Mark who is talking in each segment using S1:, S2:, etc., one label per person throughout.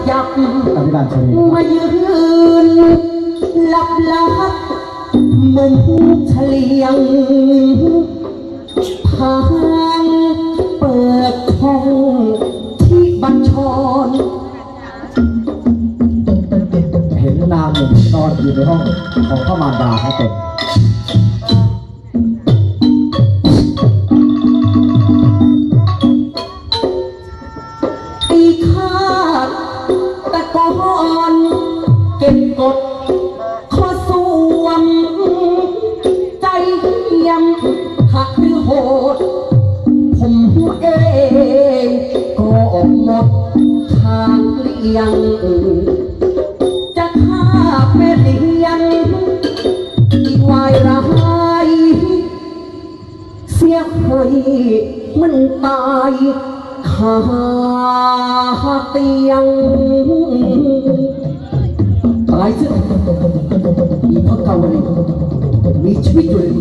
S1: ยับมายืนหลับหลับมุมเฉลียงทางเปิดห้องที่บัญชร
S2: เห็นนางหนึ่งนอนอยู่ในห้องของพระมารดาครับผม
S1: ตีขาดตะกอนเก็บกดข้อสวมใจเยี่ยมหักหรือโหดผมเองก็หมดทางเลี่ยงจะฆ่าแม่เลี้ยงอีกวายร้ายเสียเคยมันตายคาเตียงตายซะอีพระเกาวลีมีชีวิตอยู่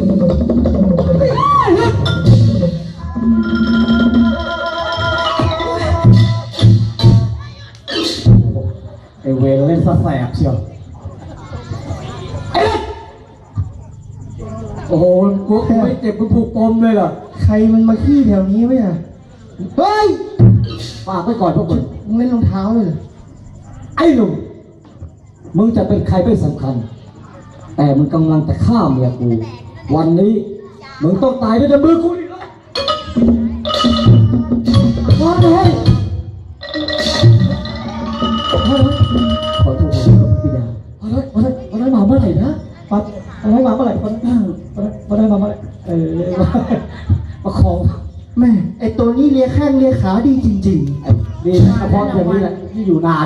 S2: ไอเวรเล่นซะแสบเชียวโอ้โหพวกไม่เจ็บมันผูกปมเลยเหรอใครมันมาขี้แถวนี้ไหมอ่ะเฮ้ยฝากไว้ก่อนพวกมึงเล่นรองเท้าเลยเหรอไอ้หนุ่มมึงจะเป็นใครไม่สำคัญแต่มึงกำลังจะฆ่าเมียกูวันนี้มึงต้องตายด้วยมือกูอีกแล้วว้าเลยขอโทษพี่ดาวันนั้นมาเมื่อไหร่นะวันนั้นมาเมื่อไหร่วันนั้นมาเมื่อไหร่มาของแม่ไอตัวนี้เลียแข้งเลียขาดีจริงๆดีนะเฉพาะอย่างนี้แหละที่อยู่นาน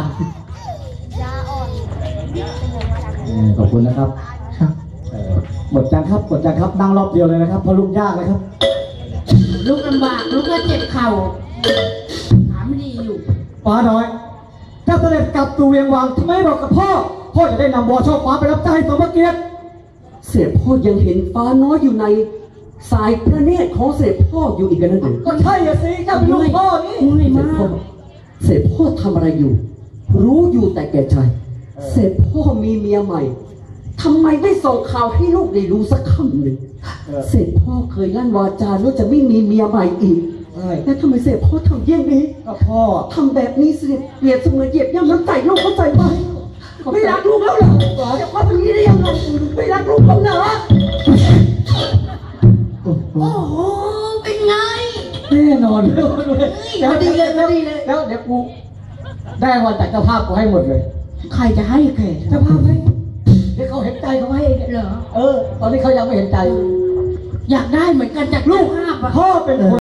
S2: ขอบคุณนะครับหมดจังครับนั่งรอบเดียวเลยนะครับเพราะลุกยากเลยครับ
S3: ลุกลำบากลุกก็เจ็บเข่าขาไม่ดีอยู่
S2: ป้าน้อยถ้าเสด็จกลับตูเวียงวังทำไมบอกกับพ่อจะได้นำวอช่อฟ้าไปรับใช้สมเกียรติ
S1: เสพพ่อยังเห็นฟ้าน้อยอยู่ในสายพระเนตรของเสพพ่ออยู่อีกนั่นเอง
S2: ก็ใช่สิเจ้าลูกพ่อนี่
S1: เสพพ่อทำอะไรอยู่รู้อยู่แต่แก่ใจเสพพ่อมีเมียใหม่ทำไมไม่ส่งข่าวให้ลูกได้รู้สักคำหนึ่งเสพพ่อเคยลั่นวาจาว่าจะไม่มีเมียใหม่อีกแล้วทำไมเสพพ่อทำเยี่ยงนี้
S2: ก็พ่อ
S1: ทำแบบนี้สิเปรียบเสมือนเหยียบย่ำน้ำใจลูกเข้าใจไหมไม่รักลูกแล้วเหรอจะพ่อเป็นนี้ได้ยังไงไม่รักลูกเขาเหรอ
S3: โอ้โหเป็นไง
S2: แน่นอนเลย
S3: ดีเลย
S2: แล้วเดี๋ยวกูได้วันจากเจ้าภาพกูให้หมดเลย
S3: ใครจะให้แก
S2: เจ้าภาพให้เดี๋ยวเขาเห็นใจเขาให้
S3: เหรอ
S2: ตอนนี้เขายังไม่เห็นใจ
S3: อยากได้เหมือนกันจากลูกภาพ
S2: พ่อเป็นคน